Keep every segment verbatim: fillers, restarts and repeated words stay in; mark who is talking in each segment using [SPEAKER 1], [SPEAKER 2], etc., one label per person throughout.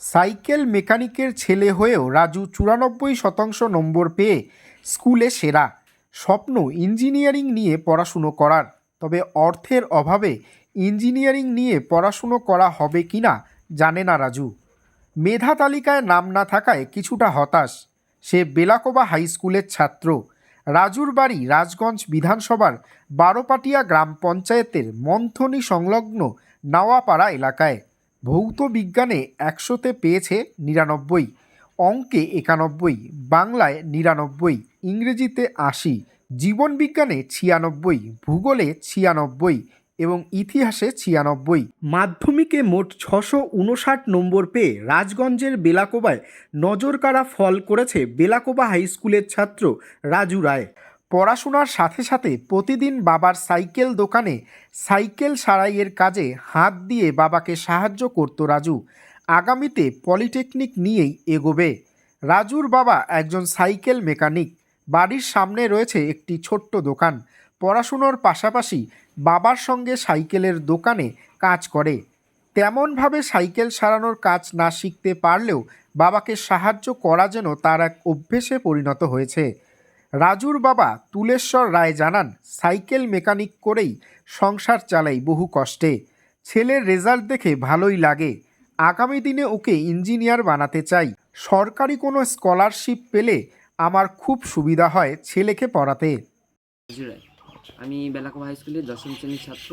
[SPEAKER 1] Cycle মেকানিকের ছেলে হয়েও রাজু চুরানব্বই শতাংশ নম্বর পেয়ে স্কুলে সেরা। স্বপ্ন ইঞ্জিনিয়ারিং নিয়ে পড়াশুনো করার, তবে অর্থের অভাবে ইঞ্জিনিয়ারিং নিয়ে পড়াশুনো করা হবে কি না জানে না রাজু। মেধা তালিকায় নাম না থাকায় কিছুটা হতাশ। সে বেলাকোবা হাই স্কুলের ছাত্র। রাজুর বাড়ি রাজগঞ্জ বিধানসভার বারোপাটিয়া গ্রাম পঞ্চায়েতের মন্থনী সংলগ্ন নাওয়াপাড়া এলাকায়। ভৌত বিজ্ঞানে একশোতে পেয়েছে নিরানব্বই, অঙ্কে একানব্বই, বাংলায় নিরানব্বই, ইংরেজিতে আশি, জীবনবিজ্ঞানে ছিয়ানব্বই, ভূগোলে ছিয়ানব্বই এবং ইতিহাসে ছিয়ানব্বই। মাধ্যমিকে মোট ছশো উনষাট নম্বর পেয়ে রাজগঞ্জের বেলাকোবায় নজরকাড়া ফল করেছে বেলাকোবা হাই স্কুলের ছাত্র রাজু রায়। পড়াশোনার সাথে সাথে প্রতিদিন বাবার সাইকেল দোকানে সাইকেল সারাইয়ের কাজে হাত দিয়ে বাবাকে সাহায্য করত রাজু। আগামীতে পলিটেকনিক নিয়েই এগোবে। রাজুর বাবা একজন সাইকেল মেকানিক। বাড়ির সামনে রয়েছে একটি ছোট্ট দোকান। পড়াশুনোর পাশাপাশি বাবার সঙ্গে সাইকেলের দোকানে কাজ করে। তেমনভাবে সাইকেল সারানোর কাজ না শিখতে পারলেও বাবাকে সাহায্য করা যেন তার এক অভ্যেসে পরিণত হয়েছে। রাজুর বাবা তুলেশ্বর রায় জানান, সাইকেল মেকানিক করেই সংসার চালাই বহু কষ্টে। ছেলের রেজাল্ট দেখে ভালোই লাগে। আগামী দিনে ওকে ইঞ্জিনিয়ার বানাতে চাই। সরকারি কোনো স্কলারশিপ পেলে আমার খুব সুবিধা হয় ছেলেকে পড়াতে।
[SPEAKER 2] আমি বেলাকোবা হাই স্কুলের দশম শ্রেণীর ছাত্র।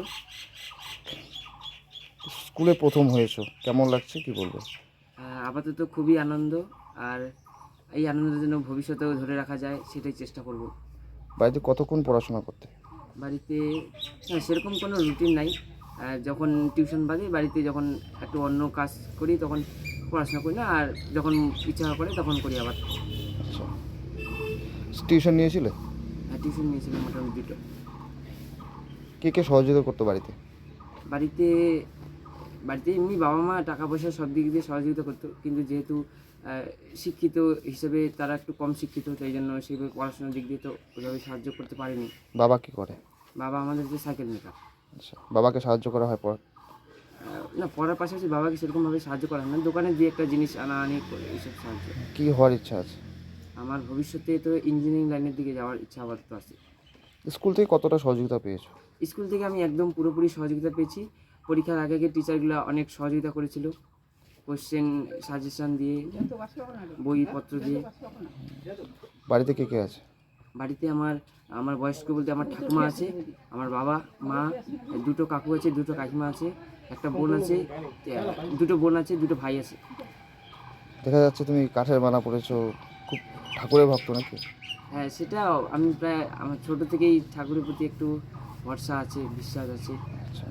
[SPEAKER 3] স্কুলে প্রথম হয়েছো, কেমন লাগছে কি বলবো?
[SPEAKER 2] আপাতত খুবই আনন্দ, আর এই আনন্দের জন্য ভবিষ্যতেও ধরে রাখা যায় সেটাই চেষ্টা করব।
[SPEAKER 3] বাড়িতে কতক্ষণ পড়াশোনা করতে?
[SPEAKER 2] বাড়িতে সেরকম কোনো রুটিন নাই। যখন টিউশন বাদে বাড়িতে যখন একটু অন্য কাজ করি তখন পড়াশোনা করি না, আর যখন ইচ্ছা করে তখন করি আবার।
[SPEAKER 3] আচ্ছা, টিউশন নিয়েছিলে?
[SPEAKER 2] হ্যাঁ, টিউশন নিয়েছিলাম মোটামুটি দুটো।
[SPEAKER 3] কে কে সহযোগিতা করতো বাড়িতে?
[SPEAKER 2] বাড়িতে বাড়িতে এমনি বাবা মা টাকা পয়সা সব দিক দিয়ে সহযোগিতা করতো, কিন্তু যেহেতু শিক্ষিত হিসেবে তারা একটু কম শিক্ষিত, তাই জন্য সেইভাবে পড়াশোনার দিক দিয়ে তো ওইভাবে সাহায্য করতে পারেনি।
[SPEAKER 3] বাবা কি করে?
[SPEAKER 2] বাবা আমাদের যে সাইকেল মেকার।
[SPEAKER 3] আচ্ছা, বাবাকে সাহায্য করা হয় পড়া?
[SPEAKER 2] না, পড়ার পাশাপাশি বাবাকে সেরকমভাবে সাহায্য করা হয় না, দোকানে দিয়ে একটা জিনিস আনা আনি করে এইসব সাহায্য।
[SPEAKER 3] কী হওয়ার ইচ্ছা আছে?
[SPEAKER 2] আমার ভবিষ্যতে তো ইঞ্জিনিয়ারিং লাইনের দিকে যাওয়ার ইচ্ছা আপাতত আছে।
[SPEAKER 3] স্কুল থেকে কতটা সহযোগিতা পেয়েছো?
[SPEAKER 2] স্কুল থেকে আমি একদম পুরোপুরি সহযোগিতা পেয়েছি। পরীক্ষার আগে আগে টিচারগুলো অনেক সহযোগিতা করেছিল, কোশ্চেন সাজেশন দিয়ে, বইপত্র দিয়ে।
[SPEAKER 3] বাড়িতে কে কে আছে?
[SPEAKER 2] বাড়িতে আমার আমার বয়স্ক বলতে আমার ঠাকুমা আছে, আমার বাবা মা, দুটো কাকু আছে, দুটো কাকিমা আছে, একটা বোন আছে, দুটো বোন আছে, দুটো ভাই আছে।
[SPEAKER 3] দেখা যাচ্ছে তুমি কাঠের বানা পড়েছো, খুব ঠাকুরের ভক্ত নাকি?
[SPEAKER 2] হ্যাঁ, সেটা আমি প্রায় আমার ছোটো থেকেই ঠাকুরের প্রতি একটু ভরসা আছে, বিশ্বাস আছে।
[SPEAKER 3] আচ্ছা,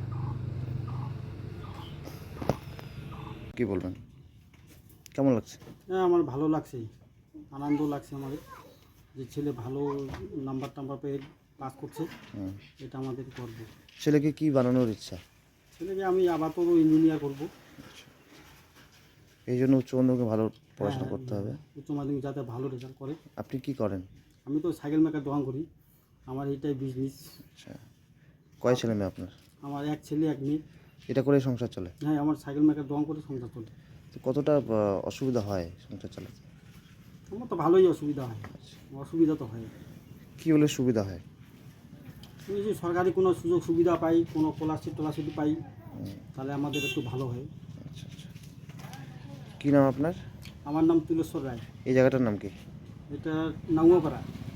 [SPEAKER 3] কি বলবেন, কেমন লাগছে?
[SPEAKER 4] হ্যাঁ, আমার ভালো লাগছে, আনন্দ লাগছে আমাদের যে ছেলে ভালো নাম্বার টাম্বার পেয়ে পাস করছে, এটা আমাদের করব।
[SPEAKER 3] ছেলেকে কি বানানোর ইচ্ছা?
[SPEAKER 4] ছেলেকে আমি আপাতত ইঞ্জিনিয়ার করবো।
[SPEAKER 3] এই জন্য উচ্চ মাধ্যমিকে ভালো পড়াশোনা করতে হবে।
[SPEAKER 4] উচ্চ মাধ্যমিক যাতে ভালো রেজাল্ট করে।
[SPEAKER 3] আপনি কি করেন?
[SPEAKER 4] আমি তো সাইকেল মেকার দোকান করি, আমার এইটাই বিজনেস।
[SPEAKER 3] আচ্ছা, কয় ছেলে মেয়ে আপনার?
[SPEAKER 4] আমার এক ছেলে এক মেয়ে।
[SPEAKER 3] এটা করে সংসার চলে?
[SPEAKER 4] হ্যাঁ, আমার সাইকেল মেকার দোকান করে সংসার চলে।
[SPEAKER 3] তো কতটা অসুবিধা হয় সংসার চালাতে?
[SPEAKER 4] আমার তো ভালোই অসুবিধা হয়। অসুবিধা তো হয়।
[SPEAKER 3] কী হলে সুবিধা হয়?
[SPEAKER 4] আমি যদি সরকারি কোনো সুযোগ সুবিধা পাই, কোনো স্কলারশিপ টলারশিপ পাই, তাহলে আমাদের একটু ভালো হয়।
[SPEAKER 3] আচ্ছা আচ্ছা, কী নাম আপনার?
[SPEAKER 4] আমার নাম তুলেশ্বর রায়।
[SPEAKER 3] এই জায়গাটার নাম কি?
[SPEAKER 4] এটা নাঙ্গপাড়া।